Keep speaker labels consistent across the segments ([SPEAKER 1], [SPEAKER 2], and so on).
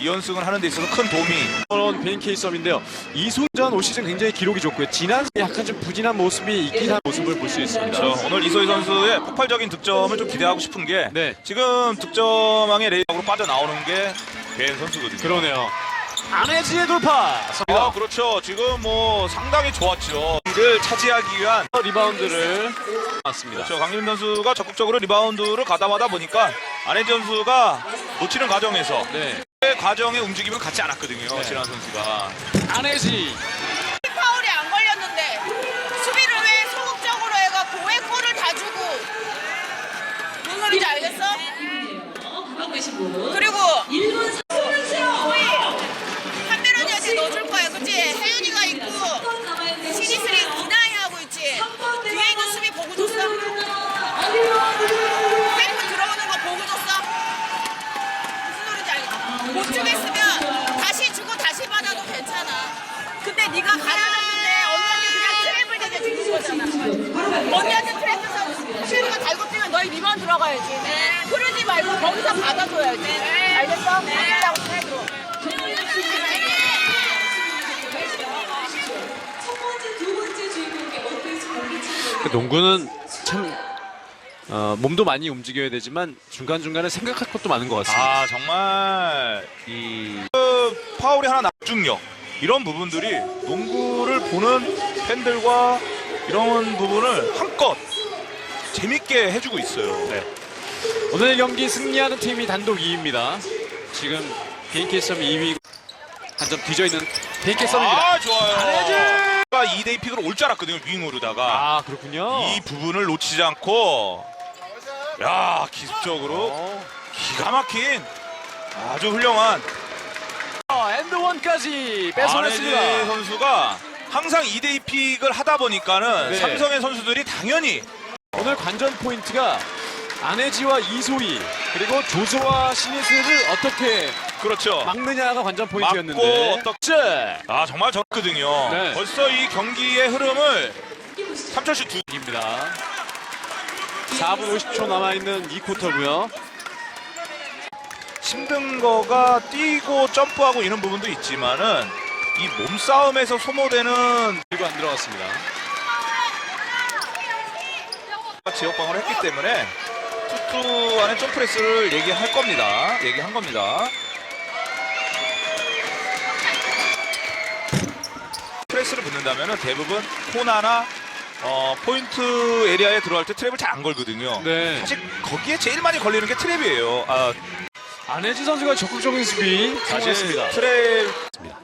[SPEAKER 1] 2연승을 하는 데 있어서 큰 도움이.
[SPEAKER 2] 그런 BNK 썸인데요. 이소전 올 시즌 굉장히 기록이 좋고요. 지난 약간 좀 부진한 모습이 있긴 한 모습을 볼 수 있습니다.
[SPEAKER 1] 그렇죠. 오늘 이소희 선수의 폭발적인 득점을 좀 기대하고 싶은 게
[SPEAKER 2] 네.
[SPEAKER 1] 지금 득점왕의 레이업으로 빠져나오는 게 배인 선수거든요.
[SPEAKER 2] 그러네요. 안혜지의 돌파.
[SPEAKER 1] 그렇죠. 지금 뭐 상당히 좋았죠. 이를 차지하기 위한
[SPEAKER 2] 리바운드를 맞습니다.
[SPEAKER 1] 그렇죠. 강림 선수가 적극적으로 리바운드를 가담하다 보니까 안혜지 선수가 놓치는 과정에서
[SPEAKER 2] 네.
[SPEAKER 1] 그 과정의 움직임을 갖지 않았거든요.
[SPEAKER 2] 네.
[SPEAKER 1] 진한 선수가.
[SPEAKER 2] 안혜지.
[SPEAKER 3] 파울이 안 걸렸는데 수비를 왜 소극적으로 해갖고 왜 골을 다 주고 무슨 소리인지 알겠어? 그리고 소희 한별언니 어제 넣어줄 거야 그치? 혜윤이가 있고 시리스리 이나이 하고 있지? 뒤에 있는 수비 보고 줬어? 템포 들어오는 거 보고 줬어? 무슨 소리인지 알겠어? 못 주겠으면 다시 주고 다시 받아도 괜찮아. 근데 네가 가려놨는데 언니한테 그냥 트랩을 대게 주는 거잖아. 언니한테 트랩 줘서 슈리가 달고 뛰면 너희 리바운 들어가야지. 그러지 말고 거기서 받아줘야지. 알겠어? 받으려고 트랩으로.
[SPEAKER 2] 그 농구는 참 몸도 많이 움직여야 되지만 중간중간에 생각할 것도 많은 것 같습니다.
[SPEAKER 1] 아 정말 그 파울이 하나 집중력 이런 부분들이 농구를 보는 팬들과 이런 부분을 한껏 재밌게 해주고 있어요.
[SPEAKER 2] 네. 오늘 경기 승리하는 팀이 단독 2위입니다. 지금 BNK 썸이 2위 한 점 뒤져 있는 BNK 썸입니다.
[SPEAKER 1] 아 좋아요.
[SPEAKER 2] 안혜지!
[SPEAKER 1] 2대2 픽으로 올 줄 알았거든요. 윙으로다가
[SPEAKER 2] 아 그렇군요.
[SPEAKER 1] 이 부분을 놓치지 않고 야 기습적으로 기가 막힌 아주 훌륭한
[SPEAKER 2] 엔드원까지
[SPEAKER 1] 안혜지
[SPEAKER 2] 뺏어냈습니다.
[SPEAKER 1] 선수가 항상 2대2 픽을 하다 보니까는
[SPEAKER 2] 네.
[SPEAKER 1] 삼성의 선수들이 당연히
[SPEAKER 2] 오늘 관전 포인트가 안혜지와 이소희 그리고 조조와 신예슬을 어떻게
[SPEAKER 1] 그렇죠.
[SPEAKER 2] 막느냐가 관전
[SPEAKER 1] 맞고
[SPEAKER 2] 포인트였는데
[SPEAKER 1] 어떻게 아 정말 좋거든요.
[SPEAKER 2] 네.
[SPEAKER 1] 벌써 이 경기의 흐름을 3점씩 두
[SPEAKER 2] 입니다. 4분 50초 남아있는 2쿼터고요.
[SPEAKER 1] 힘든 거가 뛰고 점프하고 이런 부분도 있지만은 이 몸싸움에서 소모되는
[SPEAKER 2] 그리고 안 들어갔습니다.
[SPEAKER 1] 지역방어를 했기 때문에 투투 안에 점프레스를 얘기할 겁니다. 얘기한 겁니다. 프레스를 붙는다면은 대부분 코나나 포인트 에리아에 들어갈 때 트랩을 잘 안 걸거든요.
[SPEAKER 2] 네.
[SPEAKER 1] 사실 거기에 제일 많이 걸리는 게 트랩이에요.
[SPEAKER 2] 안혜지 선수가 적극적인 수비
[SPEAKER 1] 사실
[SPEAKER 2] 성공했습니다.
[SPEAKER 1] 트랩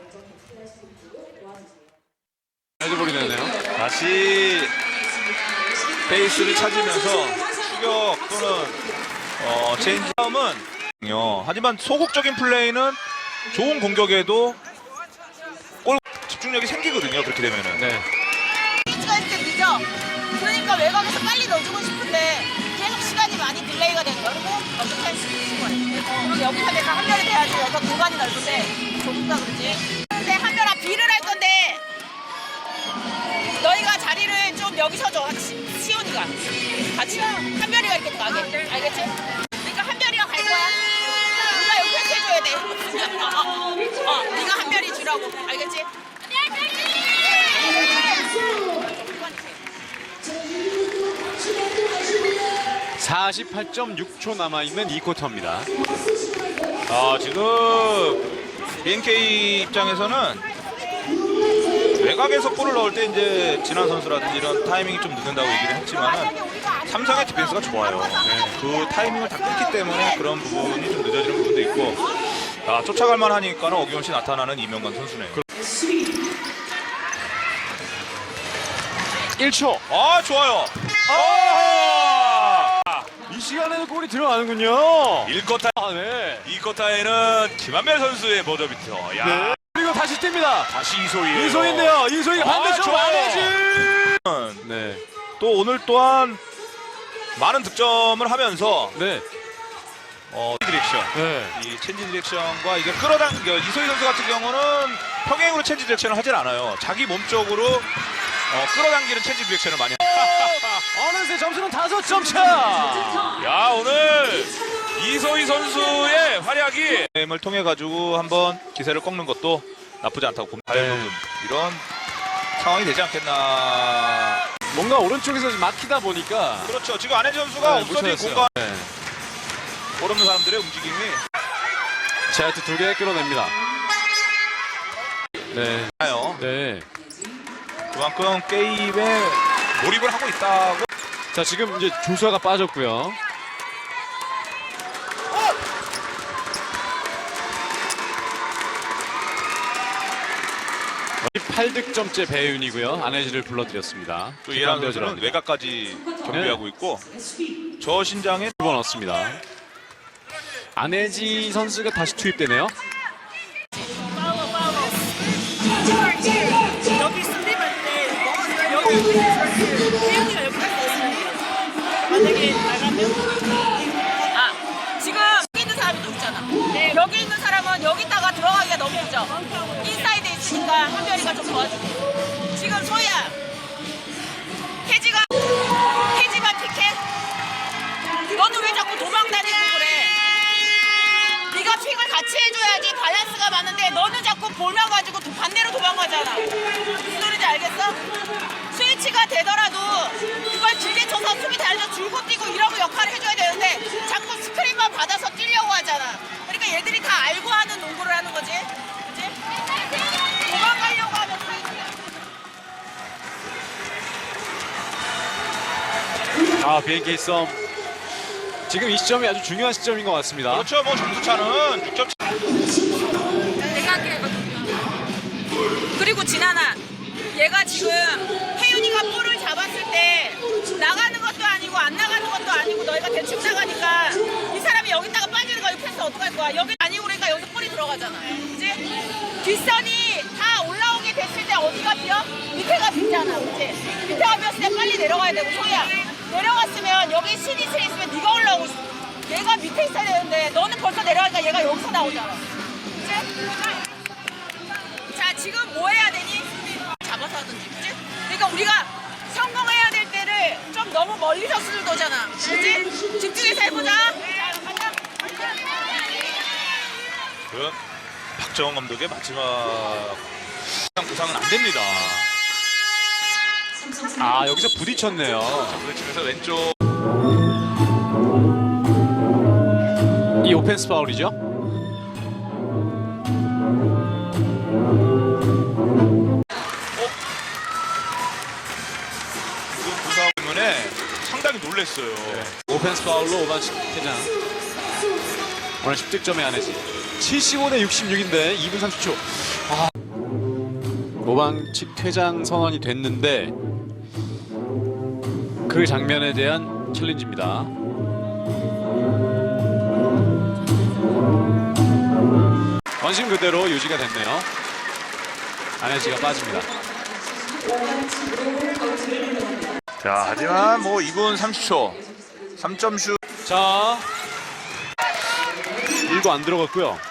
[SPEAKER 2] 헤드볼이 되네요.
[SPEAKER 1] 다시 베이스를 찾으면서 추격 또는 체인지 싸움은 하지만 소극적인 플레이는 좋은 공격에도 골 집중력이 생기거든요. 그렇게 되면은
[SPEAKER 2] 네.
[SPEAKER 3] 페이지가 있을 때 늦어. 그러니까 외곽에서 빨리 넣어주고 싶은데 계속 시간이 많이 딜레이가 되는 거야. 그리고 어떻게 할 수 있는 거야. 그럼 여기서 내가 한별이 돼야지. 여기가 공간이 넓은데 좁다 그러지. 근데 한별아 비를 할 건데 너희가 자리를 좀 여기서 줘. 시온이가 같이 한별이가 이렇게 가게. 알겠지? 그러니까 한별이가 갈 거야. 네가 여기 해줘야 돼. 네가 한별이 주라고. 알겠지?
[SPEAKER 2] 48.6초 남아있는 2쿼터입니다.
[SPEAKER 1] 지금 BNK 입장에서는 외곽에서 골을 넣을 때 이제 진한 선수라든지 이런 타이밍이 좀 늦는다고 얘기를 했지만은 삼성의 디펜스가 좋아요. 그 타이밍을 다 끊기 때문에 그런 부분이 좀 늦어지는 부분도 있고 쫓아갈 만하니까는 어김없이 나타나는 이명관 선수네요.
[SPEAKER 2] 1초.
[SPEAKER 1] 좋아요.
[SPEAKER 2] 이 시간에도 골이 들어가는군요.
[SPEAKER 1] 1쿼터,
[SPEAKER 2] 네.
[SPEAKER 1] 2쿼터에는 김한별 선수의 버저비터.
[SPEAKER 2] 네. 그리고 다시 뜁니다.
[SPEAKER 1] 다시 이소희예요.
[SPEAKER 2] 이소희인데요. 이소희가 반대쪽
[SPEAKER 1] 좋아요.
[SPEAKER 2] 안혜지. 네.
[SPEAKER 1] 또 오늘 또한 많은 득점을 하면서
[SPEAKER 2] 네.
[SPEAKER 1] 디렉션.
[SPEAKER 2] 네.
[SPEAKER 1] 이 체인지 디렉션과 이게 이소희 선수 같은 경우는 평행으로 체인지 디렉션을 하질 않아요. 자기 몸쪽으로 끌어당기는 체인지 디렉션을 많이
[SPEAKER 2] 어느새 점수는 5점 차.
[SPEAKER 1] 야 오늘 이소희 선수의 활약이 게임을 통해 가지고 한번 기세를 꺾는 것도 나쁘지 않다고 봅니다. 이런 상황이 되지 않겠나.
[SPEAKER 2] 뭔가 오른쪽에서 좀 막히다 보니까
[SPEAKER 1] 그렇죠. 지금 안혜지 선수가
[SPEAKER 2] 못
[SPEAKER 1] 옵서디
[SPEAKER 2] 찾았어요.
[SPEAKER 1] 공간
[SPEAKER 2] 네.
[SPEAKER 1] 모르는 사람들의 움직임이
[SPEAKER 2] 제아트 2개 끌어냅니다. 네.
[SPEAKER 1] 나요.
[SPEAKER 2] 네.
[SPEAKER 1] 그만큼 게임에 몰입을 하고 있다고.
[SPEAKER 2] 자, 지금 이제 조수아가 빠졌고요. 8득점째 배윤이고요. 안혜지를 불러드렸습니다.
[SPEAKER 1] 또 이란 선수는 외곽까지 경비하고 있고 저 신장에
[SPEAKER 2] 두 번 얻습니다. 안혜지 선수가 다시 투입되네요.
[SPEAKER 3] 여기 수비할 때 여기 혜윤이가 여기 딱 있으면 만약에 나가면 지금 여기 있는 사람이 또 있잖아. 여기 있는 사람은 여기다가 들어가기가 너무 늦죠. 인사이드에 있으니까 한별이가 좀 도와주고. 지금 소희야 혜지가 픽해? 너는 왜 자꾸 도망다니고 그래? 네가 픽을 같이 해줘야지 밸런스가 맞는데 너는 자꾸 볼만 가지고 반대로 도망가잖아. 무슨 소리인지 알겠어? 스위치가 되더라도 그걸 길게 쳐서 수비 달려서 줄고 뛰고 이러고 역할을 해줘야 되는데 자꾸 스크린만 받아서 뛰려고 하잖아. 그러니까 얘들이 다 알고 하는 농구를 하는 거지. 그치? 도망가려고 하면
[SPEAKER 2] BNK 썸. 지금 이 시점이 아주 중요한 시점인 것 같습니다.
[SPEAKER 1] 그렇죠. 뭐 점수차는 6점 차.
[SPEAKER 3] 그리고 진아나 얘가 지금 혜윤이가 볼을 잡았을 때 나가는 것도 아니고 안 나가는 것도 아니고 너희가 대충 나가니까 이 사람이 여기다가 빠지는 거야. 이 패스 어떡할 거야. 여기 아니고 그러니까 여기서 볼이 들어가잖아. 그치? 뒷선이 다 올라오게 됐을 때 어디가 비어? 밑에가 비잖아. 그치? 밑에가 비었을 때 빨리 내려가야 되고 소희야 내려갔으면 여기 신이슬 있으면 네가 올라오고 얘가 밑에 있어야 되는데 너는 벌써 내려가니까 얘가 여기서 나오잖아. 그치? 자 지금 뭐 해야 되니? 잡아서 하든지 그치? 그러니까 우리가 성공해야 될 때를 좀 너무 멀리서 스르도잖아. 그치? 집중해서 해보자. 자 가자.
[SPEAKER 1] 그 박정원 감독의 마지막 부상은 안 됩니다.
[SPEAKER 2] 아, 여기서 부딪혔네요.
[SPEAKER 1] 부딪히면서 왼쪽
[SPEAKER 2] 이 오펜스 파울이죠.
[SPEAKER 1] 그 부상 때문에 상당히 놀랐어요.
[SPEAKER 2] 오펜스 파울로 5반칙 퇴장. 오늘 10득점에 안혜지. 75대 66인데 2분 30초. 5반칙 퇴장 선언이 됐는데 그 장면에 대한 챌린지입니다. 원심 그대로 유지가 됐네요. 안혜지가 빠집니다.
[SPEAKER 1] 자 하지만 뭐 2분 30초 3점 슛.
[SPEAKER 2] 자, 1도 안 들어갔고요.